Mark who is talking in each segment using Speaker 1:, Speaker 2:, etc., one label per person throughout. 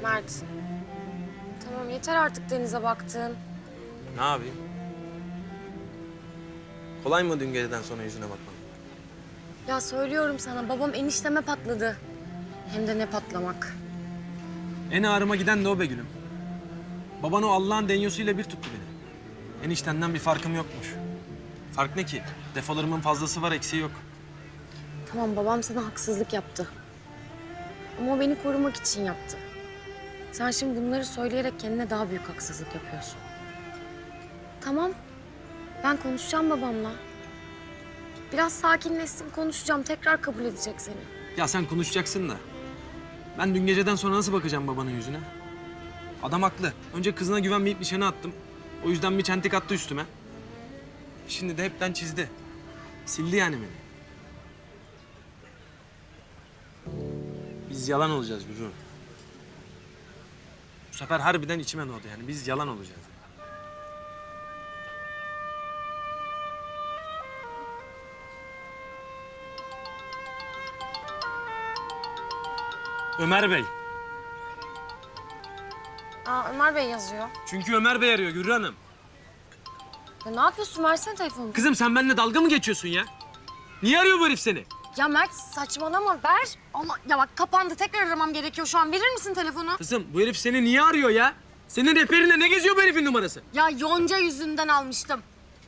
Speaker 1: Mert. Tamam yeter artık denize baktın.
Speaker 2: Ne yapayım? Kolay mı dün geceden sonra yüzüne bakmam?
Speaker 1: Ya söylüyorum sana babam enişteme patladı. Hem de ne patlamak.
Speaker 2: En ağrıma giden de o be gülüm. Baban o Allah'ın denyosuyla bir tuttu beni. Eniştenden bir farkım yokmuş. Fark ne ki? Defolarımın fazlası var, eksiği yok.
Speaker 1: Tamam babam sana haksızlık yaptı. Ama o beni korumak için yaptı. Sen şimdi bunları söyleyerek kendine daha büyük haksızlık yapıyorsun. Tamam. Ben konuşacağım babamla. Biraz sakinleşsin konuşacağım. Tekrar kabul edecek seni.
Speaker 2: Ya sen konuşacaksın da. Ben dün geceden sonra nasıl bakacağım babanın yüzüne? Adam haklı. Önce kızına güvenmeyip nişana attım. O yüzden bir çentik attı üstüme. Şimdi de hepten çizdi. Sildi yani beni. Biz yalan olacağız Gürü. Bu sefer harbiden içime doğdu yani. Biz yalan olacağız. Ömer Bey.
Speaker 1: Aa Ömer Bey yazıyor.
Speaker 2: Çünkü Ömer Bey arıyor Gürü Hanım.
Speaker 1: Ya ne yapıyorsun? Versene telefonu.
Speaker 2: Kızım sen benimle dalga mı geçiyorsun ya? Niye arıyor bu herif seni?
Speaker 1: Ya Mert saçmalama ver. Allah ya bak kapandı. Tekrar aramam gerekiyor şu an. Verir misin telefonu?
Speaker 2: Kızım bu herif seni niye arıyor ya? Senin rehberinde ne geziyor bu herifin numarası?
Speaker 1: Ya Yonca yüzünden almıştım.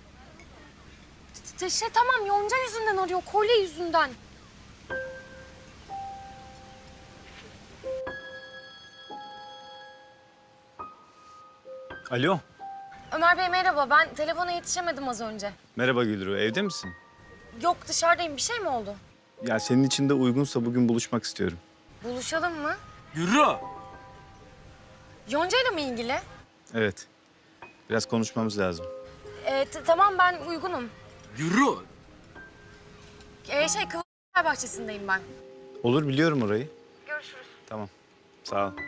Speaker 1: Tamam Yonca yüzünden arıyor. Kolye yüzünden.
Speaker 3: Alo.
Speaker 1: Ömer Bey merhaba. Ben telefona yetişemedim az önce.
Speaker 3: Merhaba Gülru, evde misin?
Speaker 1: Yok dışarıdayım. Bir şey mi oldu?
Speaker 3: Ya senin için de uygunsa bugün buluşmak istiyorum.
Speaker 1: Buluşalım mı?
Speaker 2: Yürü.
Speaker 1: Yonca'yla mı ilgili?
Speaker 3: Evet. Biraz konuşmamız lazım.
Speaker 1: Tamam ben uygunum.
Speaker 2: Yürü.
Speaker 1: Kıvırcık Bahçesi'ndeyim ben.
Speaker 3: Olur, biliyorum orayı.
Speaker 1: Görüşürüz.
Speaker 3: Tamam. Sağ ol.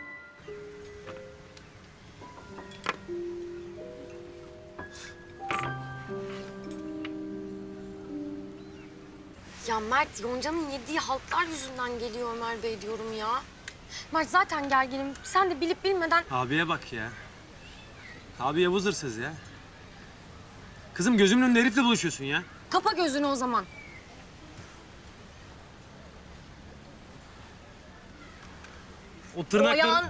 Speaker 1: Ya Mert, Yonca'nın yediği haltlar yüzünden geliyor Ömer Bey diyorum ya. Mert zaten gerginim. Sen de bilip bilmeden...
Speaker 2: Abiye bak ya. Abi Yavuz hırsız ya. Kızım gözümün önünde herifle buluşuyorsun ya.
Speaker 1: Kapa gözünü o zaman.
Speaker 2: O tırnakları...
Speaker 1: Oyan...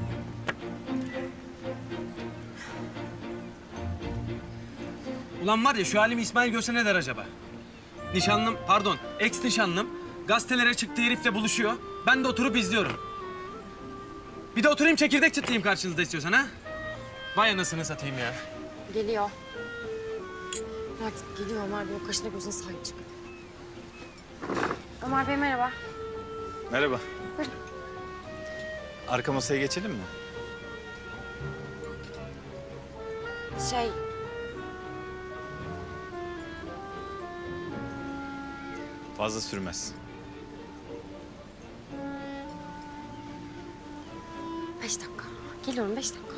Speaker 2: Ulan var ya şu halimi İsmail görse ne der acaba? Nişanlım, pardon, ex nişanlım gazetelere çıktığı herifle buluşuyor. Ben de oturup izliyorum. Bir de oturayım çekirdek çıtlayayım karşınızda istiyorsan ha? Vay anasını satayım ya.
Speaker 1: Geliyor. Mert geliyor Ömer Bey. O kaşına gözüne sahip çık. Ömer Bey merhaba.
Speaker 3: Merhaba.
Speaker 1: Buyurun.
Speaker 3: Arka masaya geçelim mi?
Speaker 1: Şey...
Speaker 3: Fazla sürmez.
Speaker 1: 5 dakika. Geliyorum 5 dakika.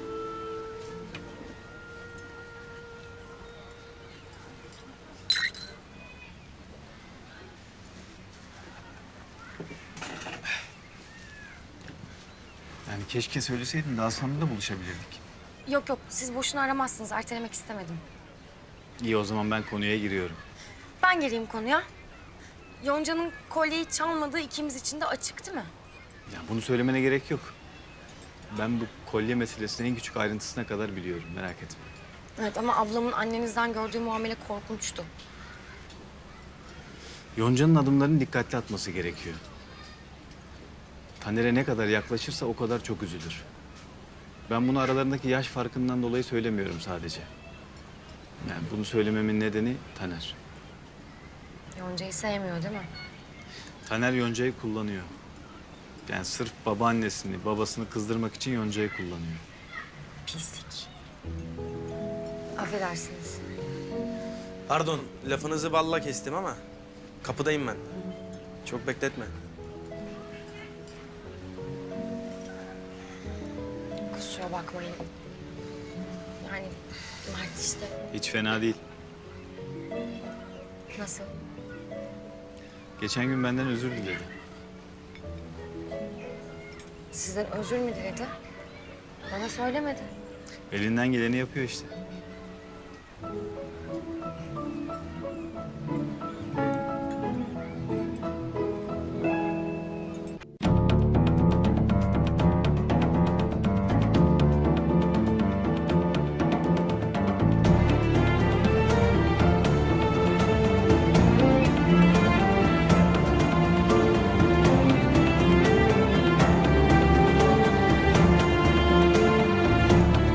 Speaker 3: Yani keşke söyleseydin, daha sonra da buluşabilirdik.
Speaker 1: Yok yok siz boşuna aramazsınız. Ertelemek istemedim.
Speaker 3: İyi, o zaman ben konuya giriyorum.
Speaker 1: Ben gireyim konuya. Yonca'nın kolyeyi çalmadığı ikimiz için de açık değil mi?
Speaker 3: Ya bunu söylemene gerek yok. Ben bu kolye meselesini en küçük ayrıntısına kadar biliyorum, merak etme.
Speaker 1: Evet ama ablamın annenizden gördüğü muamele korkunçtu.
Speaker 3: Yonca'nın adımlarını dikkatli atması gerekiyor. Taner'e ne kadar yaklaşırsa o kadar çok üzülür. Ben bunu aralarındaki yaş farkından dolayı söylemiyorum sadece. Yani bunu söylememin nedeni Taner.
Speaker 1: Yonca'yı sevmiyor değil mi?
Speaker 3: Taner Yonca'yı kullanıyor. Yani sırf babaannesini, babasını kızdırmak için Yonca'yı kullanıyor.
Speaker 1: Pislik. Affedersiniz.
Speaker 2: Pardon, lafınızı balla kestim ama kapıdayım ben. Çok bekletme.
Speaker 1: Kusura bakmayın. Yani Mert işte
Speaker 3: Hiç fena değil.
Speaker 1: nasıl?
Speaker 3: Geçen gün benden özür diledi.
Speaker 1: Sizden özür mü diledi? Bana söylemedi.
Speaker 3: Elinden geleni yapıyor işte.